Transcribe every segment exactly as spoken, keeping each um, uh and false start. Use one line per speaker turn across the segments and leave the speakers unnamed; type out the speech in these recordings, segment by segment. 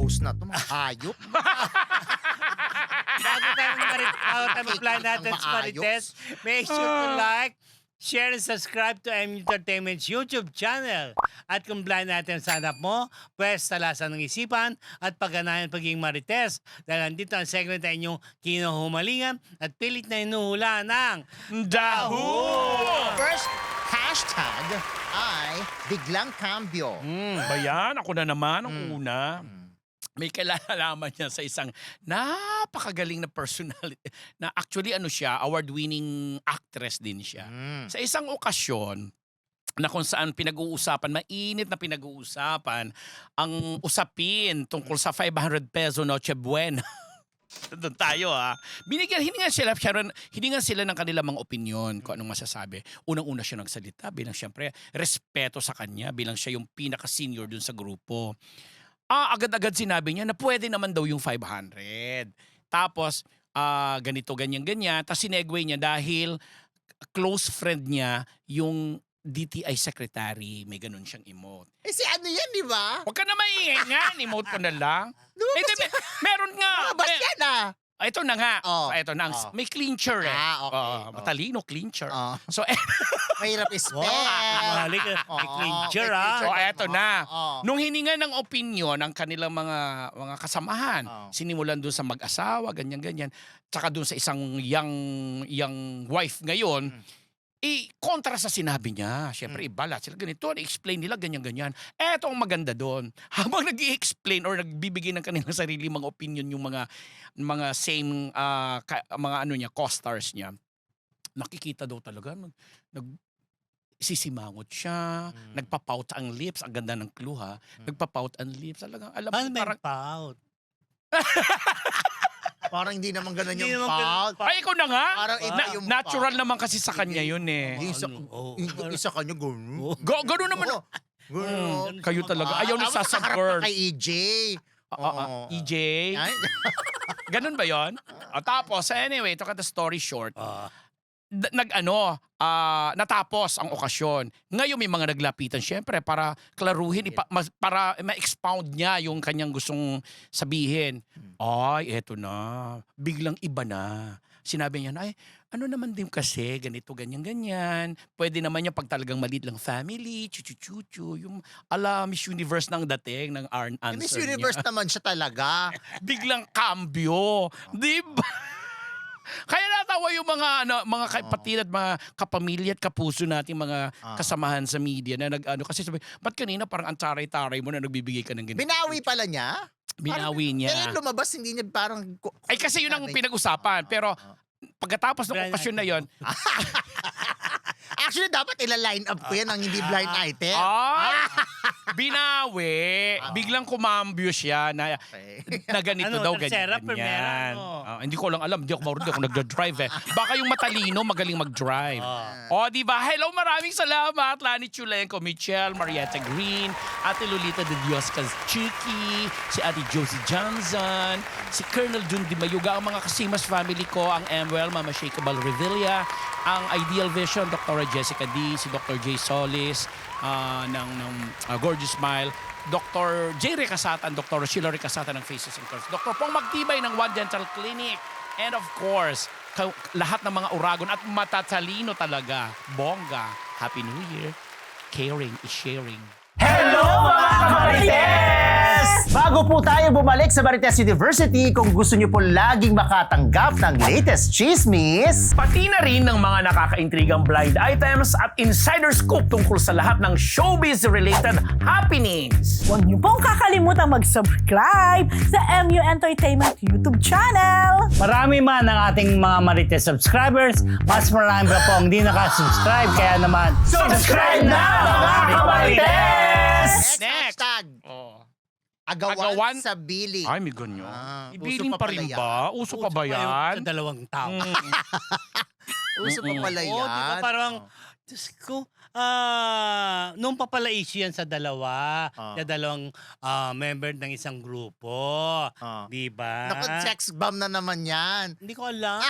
host na to, mga hayop.
Bago tayo mag-plan natin sa Marites, make sure to like, share, and subscribe to M Entertainment's YouTube channel. At kung blind natin sa hanap mo, pwes talasan ng isipan at pagganahan pagiging Marites. Dahil nandito ang segment na inyong kinuhumalingan at pilit na inuhula ng Daho!
First hashtag ay biglang cambio.
Hmm, ba yan? Ako na naman ang una. May kalalaman niya sa isang napakagaling na personality na actually ano siya, award-winning actress din siya.
Mm.
Sa isang okasyon na kung saan pinag-uusapan, mainit na pinag-uusapan, ang usapin tungkol sa five hundred peso Noche Buena. Doon tayo ha. Binigyan, hiningan sila, Sharon, hiningan sila ng kanilang mga opinion kung anong masasabi. Unang-una siya nagsalita bilang siyempre respeto sa kanya bilang siya yung pinaka-senior dun sa grupo. Ah, agad-agad sinabi niya na pwede naman daw yung five hundred. Tapos, ah, ganito, ganyan-ganyan. Tapos sinegue niya dahil close friend niya yung D T I secretary. May ganun siyang emote.
Eh si ano yan, di ba?
Huwag ka na maiingan. Emote ko na lang.
Lumabas
Eh, di,
yan.
meron nga.
Lumabas
Eh,
yan ah.
ah, ito na nga.
Oh.
Ah, ito na. ang-
Oh.
May clincher eh.
Ah, okay.
Oo,
Oh.
matalino, clincher.
Oh.
So, eh,
Mahirap spell.
Balik,
Oo,
may clincher
may
ah.
clincher.
oh, eto na.
Oo.
Nung hininga ng opinion ng kanilang mga mga kasamahan,
Oh.
sinimulan doon sa mag-asawa, ganyan-ganyan, tsaka doon sa isang young, young wife ngayon, eh, kontra sa sinabi niya. Siyempre, ibala sila ganito, i-explain nila ganyan-ganyan. Eto ang maganda doon. Habang nag explain or nagbibigay ng kanilang sarili mga opinion yung mga mga same ah, ka- mga ano niya, co-stars niya, nakikita daw talaga nag, nag sisimangot siya,
Mm.
nagpapout ang lips, ang ganda ng clue ha. Nagpapout ang lips, talagang alam
Paano
mo
may
parang
pout?
Parang hindi naman ganun
Hindi
yung
naman ganun.
fault.
ay ikaw na nga.
Parang iba
Na-
yung
natural
fault.
naman kasi sa kanya yun eh.
Hindi sa,
Ano? Oo.
hindi sa kanya ganun.
Oo.
Go, gano'n naman.
Oo. Ganun.
Mm, kayo talaga. Ayaw ni
Tapos
Sasa
nakaharap
Girl.
pa kay E J.
Ah, ah, ah,
Oo.
E J.
Ay,
Ganun ba yon? Ah, tapos, anyway, to cut the story short,
Ah.
d- nag-ano, ah, natapos ang okasyon. Ngayon may mga naglapitan syempre para klaruhin, ipa- mas- para ma-expound niya yung kanyang gustong sabihin. Ay, eto na. Biglang iba na. Sinabi niya na, ay, ano naman din kasi, ganito, ganyan-ganyan. Pwede naman niya pag talagang maliit lang family, chuchu-chuchu, yung ala Miss Universe nang dating, ng ar- answer
Miss
niya.
Universe naman siya talaga.
Biglang cambio. Di ba? Kaya natawa yung mga ano, mga kapatid at mga kapamilya at kapuso nating mga
Ah.
kasamahan sa media na nag ano kasi sabi, ba't kanina parang ang taray-taray mo na nagbibigay ka ng ganito?
Binawi pala niya.
Binawi niya.
Kaya lumabas, hindi niya parang...
Ay kasi yun ang pinag-usapan. Pero pagkatapos ng
Blind
okasyon na yon,
Actually, dapat ila-line up ko yan ang hindi blind item.
ay, binawi. Biglang kumambyo siya na,
Okay.
na ganito
Ano,
daw,
tercera,
ganyan,
primera,
ganyan.
ano?
Ah, hindi ko lang alam, hindi ako marunong, hindi ako nagdadrive eh. Baka yung matalino, magaling mag-drive.
Ah.
O, di ba? Hello, maraming salamat. Lani Chulenko, Michelle, Marietta Green, Ate Lolita de Dios Chiki, si Ate Josie Johnson, si Colonel Jun Di Mayuga, ang mga Kasimas family ko, ang Emwell, Mama Shakeable Revilla, ang Ideal Vision, Doctor Jessica D, si Doctor J. Solis, ah, ng, ng ah, Gorgeous Smile, Doctor J. Recasatan, Doctor Sheila Recasatan ng Faces and Curves, Doctor Pong Magtibay ng One Dental Clinic, and of course, ka- lahat ng mga uragon at matatalino talaga. Bongga. Happy New Year. Caring is sharing.
Hello mga Marites! Bago po tayo bumalik sa Marites University, kung gusto niyo po laging makatanggap ng latest chismis,
Pati na rin ng mga nakakaintrigang blind items at insider scoop tungkol sa lahat ng showbiz-related happenings.
Huwag niyo pong kakalimutan mag-subscribe sa M U Entertainment YouTube channel.
Marami man ang ating mga Marites subscribers, mas marami pa po ang hindi nakasubscribe. Kaya naman,
subscribe na mga Marites!
Next,
Next.
hashtag.
Oh.
Agawan,
Agawan?
sa Billy.
Ay, may ganyan.
Ah,
Ibilin
uso
pa
pa
rin
pala
ba? Uso pa ba
Uso yung
yan?
Sa dalawang tao.
Uso pa pala yan.
Oo, di ba parang,
Oh.
Diyos ko, ah, nung pa pala issue yan sa dalawa,
Ah.
sa dalawang ah, member ng isang grupo.
Ah.
Di ba?
Naku, sex bomb na naman yan.
Hindi ko alam.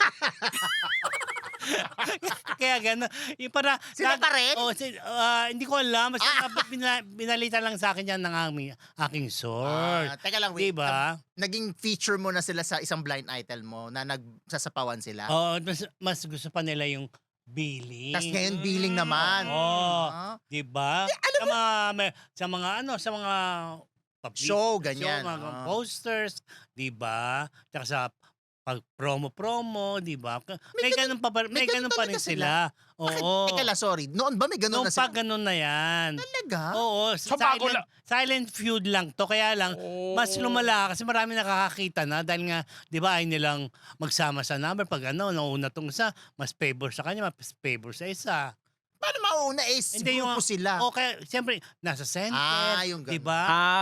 Kaya gano'n. Yung para,
Sila pa rin?
Oh, si, ah, hindi ko alam. Basta bina, binalita lang sa akin yan ng aming, aking source.
Ah, teka lang, wait.
Diba?
Naging feature mo na sila sa isang blind item mo na nagsasapawan sila.
Oo, mas, mas gusto pa nila yung billing.
Tapos ngayon, billing naman.
Oo.
Ah,
Di ba? Sa mga, may- sa mga ano, sa mga public-
Show, ganyan.
show, mga
Ah.
posters, di ba? Tsaka sa pag promo-promo, di ba? May, ganun pa, ba- may,
may ganun
ganun pa rin
talaga
sila.
Bakit?
Oo.
Teka lang, sorry. Noon ba may ganun
Noong
na
pa
sila?
ganun na yan.
Talaga?
Oo,
So, bago
silent,
lang-
silent feud lang to. Kaya lang, mas
Oh.
lumala kasi marami nakakakita na dahil nga, di ba, ay nilang magsama sa number. Pag ano, nauna tong isa, mas favor sa kanya, mas favor sa isa.
Paano mauna eh?
Hindi, yung-
Grupo sila.
O kaya, siyempre, nasa center.
Ah, yung
di
ganun.
ba?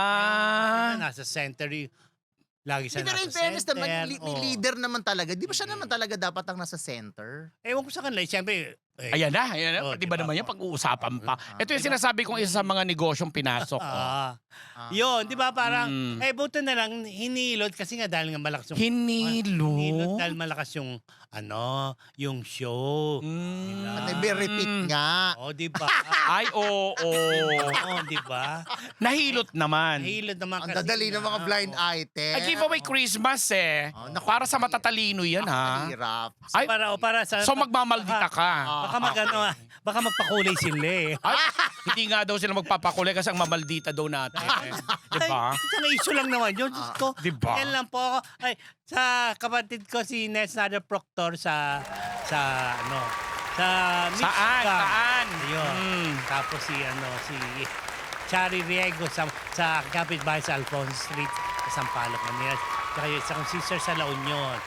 Ah.
Nasa center y- Lagi siya
Pero
nasa
in fairness
center.
naman, li- may
Oo.
leader naman talaga. Di ba siya naman talaga dapat ang nasa center?
Ewan ko sa kanila, siyempre, eh,
Ayan na, ayan na.
Oh,
Pati ba
diba?
naman yan pag-uusapan pa?
Ah,
Ito yung sinasabi kong isa sa mga negosyong pinasok ko.
ah,
Ah.
yun, di ba parang,
Mm.
eh buto na lang, hinilot kasi nga dahil nga malakas yung,
Hinilo.
hinilot dahil malakas yung, ano, yung show.
Mm.
Diba?
At nag-repeat nga.
O, di ba?
Ay, oo.
Oo, di ba?
Nahilot naman.
Nahilot naman
Ang
kasi
dadali ng
nga,
mga blind
oo.
item.
Ay, giveaway Christmas eh.
Oh, naku.
Para sa matatalino yan ha.
Hirap.
Ay,
Para, o para sa,
so magmamaldita ka.
baka mag, ano, ah, baka magpakulay sila eh.
Ay, hindi nga daw sila magpapakulay kasi ang mamaldita daw natin. Diba?
Isang issue lang naman yun. Diyos ko.
Diba?
Yan lang po ako. Ay, sa kapatid ko si Nes Nader Proctor sa, sa, ano, sa
Saan?
Michigan.
Saan?
Ayun.
Mm.
Tapos si, ano, si Chari Riego sa, sa kapitbahay sa Alfonso Street sa Sampaloc, Manila. Saka yung isang sister sa La Union.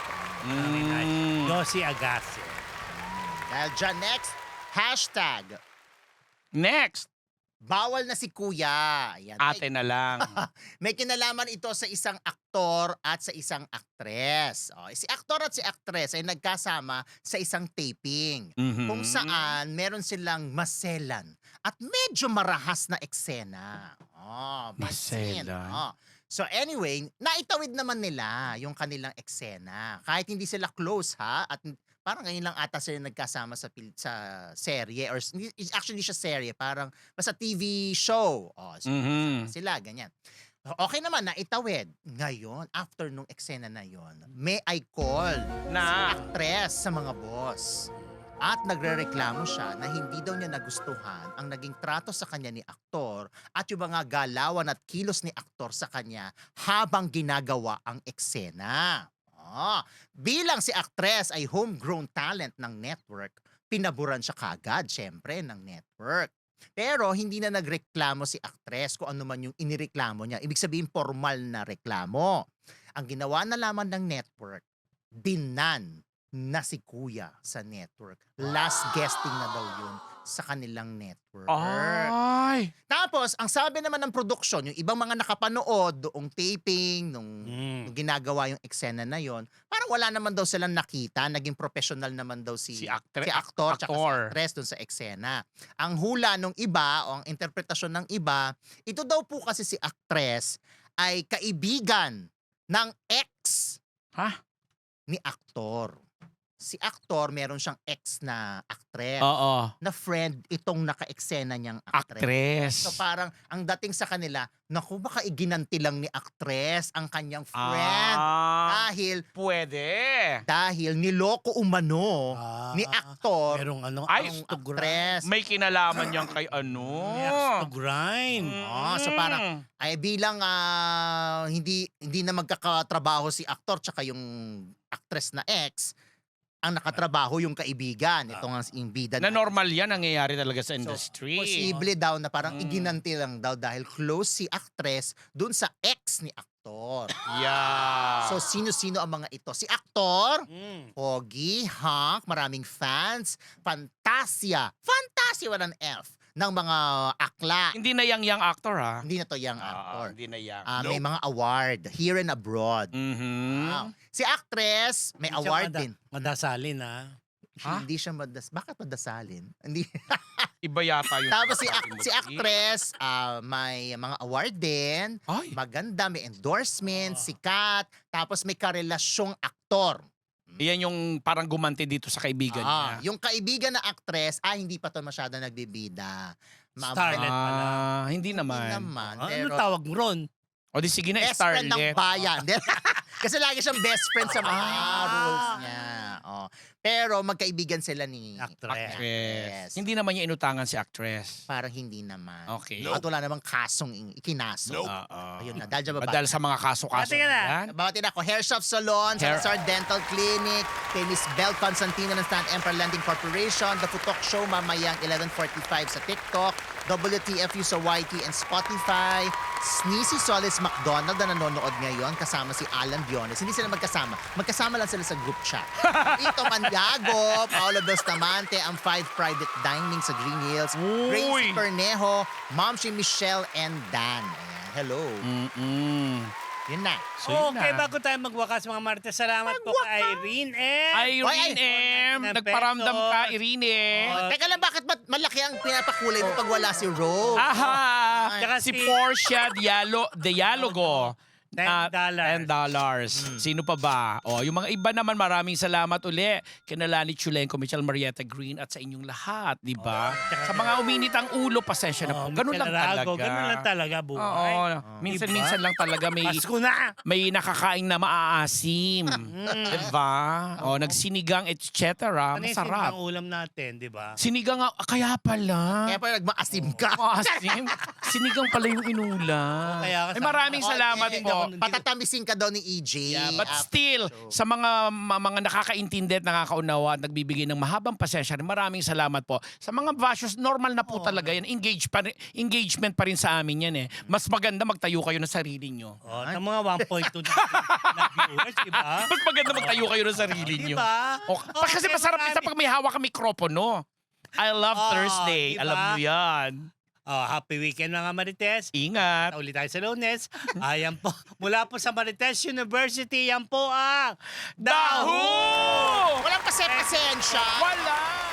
Mm.
Josie Agassi.
Dahil dyan, next, hashtag,
Next,
bawal na si kuya. Ayan.
ate na lang.
May kinalaman ito sa isang aktor at sa isang aktres. O, si aktor at si aktres ay nagkasama sa isang taping.
Mhm.
Kung saan meron silang maselan at medyo marahas na eksena. Oh, may scene.
Maselan.
Oh. So anyway, naitawid naman nila yung kanilang eksena. Kahit hindi sila close ha, at parang ngayon lang ata sila nagkasama sa pil- sa serye or s- hindi- actually hindi siya serye, parang basta T V show. Oh, so,
Mhm.
sila ganyan. Okay naman na itawid. Ngayon, after nung eksena na yon, may I call
Na.
actress sa mga boss. At nagrereklamo siya na hindi daw niya nagustuhan ang naging trato sa kanya ni aktor at yung mga galawan at kilos ni aktor sa kanya habang ginagawa ang eksena. Ah, bilang si actress ay homegrown talent ng network, pinaburan siya kagad, syempre, ng network. Pero hindi na nagreklamo si actress kung ano man yung inireklamo niya. Ibig sabihin, formal na reklamo. Ang ginawa na lamang ng network, binan na si kuya sa network. Last guesting na daw yun sa kanilang network.
Ay.
Tapos, ang sabi naman ng production, yung ibang mga nakapanood doong taping, nung,
Mm.
nung ginagawa yung eksena na yon, parang wala naman daw silang nakita. Naging professional naman daw si,
Si actre-
si actor tsaka si
actor.
actress dun sa eksena. Ang hula nung iba, o ang interpretasyon ng iba, ito daw po kasi si actress ay kaibigan ng ex
Ha?
ni aktor. Si aktor, meron siyang ex na actress.
Oo.
Na friend itong naka-eksena niyang actress.
Actress.
So parang ang dating sa kanila, naku baka iginanti lang ni actress ang kanyang friend.
Ah,
Dahil,
pwede.
dahil niloko umano
Ah,
ni aktor
merong ano,
Ay,
ang
to grind.
actress.
May kinalaman yan kay ano.
May axe to grind.
Ah, so parang- Ay bilang ah, hindi hindi na magkakatrabaho si aktor tsaka yung actress na ex, ang nakatrabaho yung kaibigan. Ito nga yung bida
Na
natin.
normal yan, nangyayari talaga sa
So,
industry.
Posible daw na parang
Mm.
iginanti lang daw dahil close si actress dun sa ex ni aktor.
Yeah.
So sino-sino ang mga ito? Si aktor,
Mm.
Pogi, Hank, maraming fans, Fantasia, Fantasia walang F, ng mga akla.
Hindi na yang yang actor ha.
Hindi na to young
Ah,
actor.
hindi na yang.
Ah, may mga award here and abroad.
Mhm.
Wow. Si actress, may
Hindi siya
award
mada-
din.
Madasalin ha.
Ha?
Hindi siya madas... Bakit madasalin? Hindi.
Iba yata yung...
Tapos si,
sabi
ac-
mo,
si
Chi.
actress, ah, may mga award din.
Ay,
Maganda, may endorsement,
Oh.
sikat. Tapos may karelasyong aktor.
iyan yung parang gumanti dito sa kaibigan
Ah,
niya.
yung kaibigan na actress, ah, hindi pa to masyado nagbibida. Ma-
Starlet pala.
Ah, hindi
Hindi
naman.
naman.
Ah,
Pero
ano tawag mo ron?
O di sige na,
best friend ng
Starlet.
bayan. Kasi lagi siyang best friend sa mga
Ah.
roles niya. Oh. Pero magkaibigan sila ni
Actress.
Actress. Hindi naman niya inutangan si actress.
Parang hindi naman.
Okay.
At wala namang kasong in- ikinaso.
Oo.
Ayun na, dahil dyan baba.
Dahil sa mga kaso-kaso.
Ate ka na.
yan.
Bawatin ako, Hair Shop Salon,
Hair-
Salazar Dental Clinic, kay Miss Belle Constantino ng Stan Emperor Lending Corporation, The Futok Show mamayang eleven forty-five sa TikTok, W T F U sa Y T and Spotify, Sneezy Solis McDonald na nanonood ngayon kasama si Alan Diones. Hindi sila magkasama. Magkasama lang sila sa group chat. Ito Mandiago, Paolo Bustamante, ang Five Private Dining sa Green Hills, Gracie
Uy!
Cornejo, Mom si Michelle and Dan. Ayan, hello.
Mm-mm.
Yun na.
So, yun
Okay,
na.
bago tayo magwakas mga Martes, salamat po kay Irene M.
Irene M.
Ay,
Nagparamdam ka,
pesos.
Irene.
Oh, teka lang, bakit ba- malaki ang pinapakulay mo pag wala si Rose?
Aha!
Tsaka
Si
si-
Portia Dialo Dialogo.
ten
Ah,
dollars.
ten dollars. Sino pa ba? O, yung mga iba naman, maraming salamat uli. Kina Lani Chulenko, Michelle Marietta Green, at sa inyong lahat, di ba? Sa mga uminit ang ulo, pasensya na po.
Oh,
Ganun lang
Michelle Arago,
talaga.
Ganun lang talaga,
Oo.
buhay.
Minsan-minsan lang talaga may
Pasko na!
may nakakain na maaasim.
Mm.
Diba? O, nagsinigang, et cetera.
Ano yung
Masarap.
sinigang ulam natin, di ba?
Sinigang, ah, kaya pala.
Kaya pa nagmaasim ka.
Maasim. Sinigang pala yung inulam.
Kaya
Ay, maraming
Okay.
salamat
Eh,
po.
Patatamisin ka daw ni E J.
Yeah, but
after
still,
show.
sa mga ma- mga nakakaintindi at nakakaunawa at nagbibigay ng mahabang pasensya, rin, maraming salamat po. Sa mga bashes, normal na po talaga yan. Engage pa, rin- engagement pa rin sa amin yan eh. Mas maganda magtayo kayo ng sarili nyo.
Oh, ng mga one point two na, na viewers, di ba?
Mas maganda magtayo kayo ng sarili
Di
nyo.
ba?
O, pa- kasi
Okay,
masarap din sa
marami-
pag may hawak ang mikropono. I love
Oh,
Thursday.
diba?
Alam mo yan.
Oh, happy weekend mga Marites.
Ingat.
Ulit tayo sa Lunes. Ayan po. Mula po sa Marites University, yan po ang
Daho!
Walang pase-pasensya.
Wala!